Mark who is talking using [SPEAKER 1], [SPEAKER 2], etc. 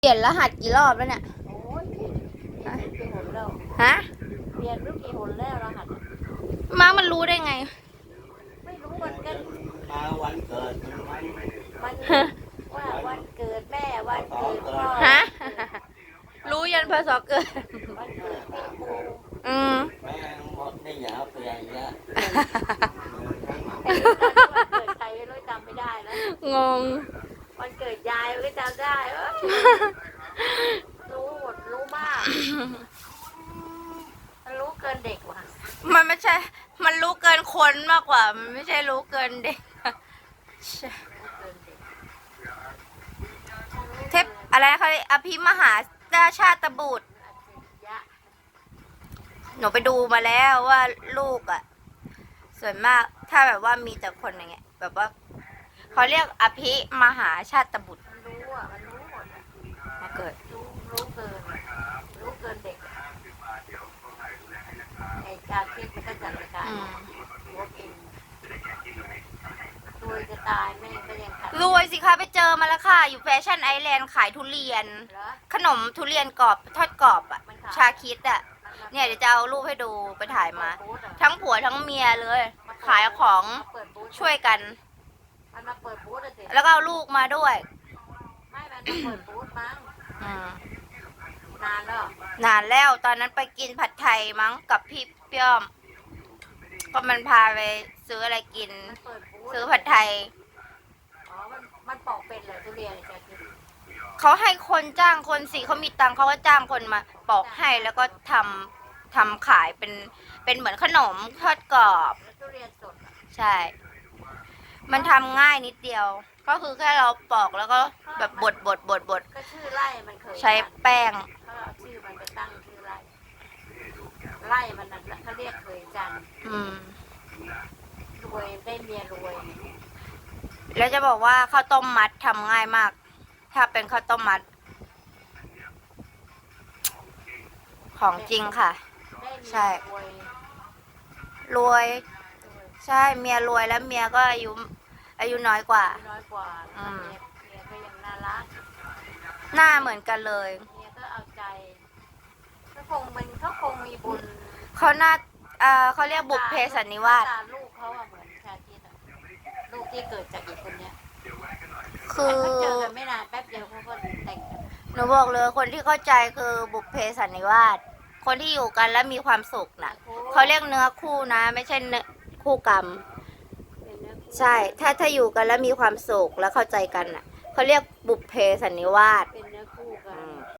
[SPEAKER 1] เปลี่ยนรหัสกี่รอบแล้วเนี่ย
[SPEAKER 2] โอ้ยเปลี่ยนกี่หนแล้ว
[SPEAKER 1] ฮะ
[SPEAKER 2] เปลี่ยนรู้กี่หนแล้วรหัส
[SPEAKER 1] มามันรู้ได้ไง
[SPEAKER 2] ไม่รู้มันก็
[SPEAKER 3] มาวันเกิด
[SPEAKER 2] มันว่าวันเกิดแม่วันเกิดพ่อ
[SPEAKER 1] ฮะ รู้ยันพศเกิด
[SPEAKER 2] วันเกิดพี่ครู
[SPEAKER 1] อืม
[SPEAKER 3] แม่หมดได้ยาวเปลี่ยนเยอะ
[SPEAKER 2] วันเกิดใครไม่รู้จำไม่ได้แล้ว
[SPEAKER 1] งง
[SPEAKER 2] วันเกิดยายก็จำได้รู้หมดรู้มากมันรู้เกินเด็กว่ะ
[SPEAKER 1] มันไม่ใช่ มันรู้เกินคนมากกว่า มันไม่ใช่รู้เกินเด็กเทพอะไรเขาอภิมหาราชาตบุตร หนูไปดูมาแล้วว่าลูกอ่ะ ส่วนมากถ้าแบบว่ามีแต่คนอย่างเงี้ยแบบว่าเขาเรียกอภิมหาชาตบุตร
[SPEAKER 2] มันรู้อ่ะมันรู้หมดอ่ะ
[SPEAKER 1] มาเกิด
[SPEAKER 2] รู้เกินเด็กไอ้การคิดมันก็จัดการหัวกินรวยจะตายแม่ก็ยังขัด
[SPEAKER 1] รวยสิคะไปเจอมาแล้วค่ะ อยู่แฟชั่นไอแลนด์ขายทุเรียน
[SPEAKER 2] เหรอ
[SPEAKER 1] ขนมทุเรียนกรอบทอดกรอบอ่ะ
[SPEAKER 2] มันขาย
[SPEAKER 1] ชาคิดอ่ะ เนี่ยเดี๋ยวจะเอารูปให้ดูไปถ่ายมา ทั้งผัวทั้งเมียเลย ขายของช่วยกัน
[SPEAKER 2] มันมาเปิดบูธอะสิ
[SPEAKER 1] แล้วก็เอาลูกมาด้วย
[SPEAKER 2] ไม่มันมาเปิดบูธมั้ง
[SPEAKER 1] อืม
[SPEAKER 2] นานแล้ว
[SPEAKER 1] นานแล้วตอนนั้นไปกินผัดไทยมั้งกับพี่เปี้ยม ก็มันพาไปซื้ออะไรกิน
[SPEAKER 2] มันเปิดบูธ
[SPEAKER 1] ซื้อผัดไทย
[SPEAKER 2] อ๋อมันปอกเป็นเหรอทุเรียนจะกิน
[SPEAKER 1] เขาให้คนจ้างคนสิเขามีตังค์เขาก็จ้างคนมาปอกให้แล้วก็ทำขายเป็นเหมือนขนมทอดกรอบ
[SPEAKER 2] แล้วทุเรียนสดอะ
[SPEAKER 1] ใช่ มันทำง่ายนิดเดียว ก็คือแค่เราปอกแล้วก็แบบบด
[SPEAKER 2] ก็ชื่อไร่มันเคย
[SPEAKER 1] ใช้แป้ง
[SPEAKER 2] เขาเอาชื่อมันไปตั้งชื่อไร่ไร่มันนั่นแหละเขาเรียกเคยจันทร์
[SPEAKER 1] อืม
[SPEAKER 2] รวยได้เมียรวย
[SPEAKER 1] แล้วจะบอกว่าข้าวต้มมัดทำง่ายมาก ถ้าเป็นข้าวต้มมัด ของจริงค่ะ
[SPEAKER 2] ได้เมี
[SPEAKER 1] ใช่
[SPEAKER 2] ยรวย
[SPEAKER 1] รวย ใช่เมียรวยแล้วเมียก็อายุน้อยกว่า
[SPEAKER 2] น้อยกว่า
[SPEAKER 1] อืม
[SPEAKER 2] เมียก็ยังน่ารัก
[SPEAKER 1] หน้าเหมือนกันเลย
[SPEAKER 2] เมียก็เอาใจเขาคงมีบุญ
[SPEAKER 1] เขาหน้าเขาเรียกบุพเพสันนิวาส
[SPEAKER 2] ตาลูกเขาอะเหมือนชาคิดอะลูกที่เกิดจากอีกคนเนี้ย
[SPEAKER 1] คือ
[SPEAKER 2] เขาเจอกันไม่นานแป๊บเดียวเขาก็แต่งกัน
[SPEAKER 1] หนูบอกเลยคนที่เข้าใจคือบุพเพสันนิวาส คนที่อยู่กันแล้วมีความสุขน่ะ เขาเรียกเนื้อคู่นะ ไม่ใช่เนื้อคู่กรรม
[SPEAKER 2] เป็นเนื้อคู่
[SPEAKER 1] ใช่ ถ้าอยู่กันแล้วมีความสุขแล้วเข้าใจกันน่ะ เขาเรียกบุพเพสันนิวาส
[SPEAKER 2] เป็นเนื้อคู่กัน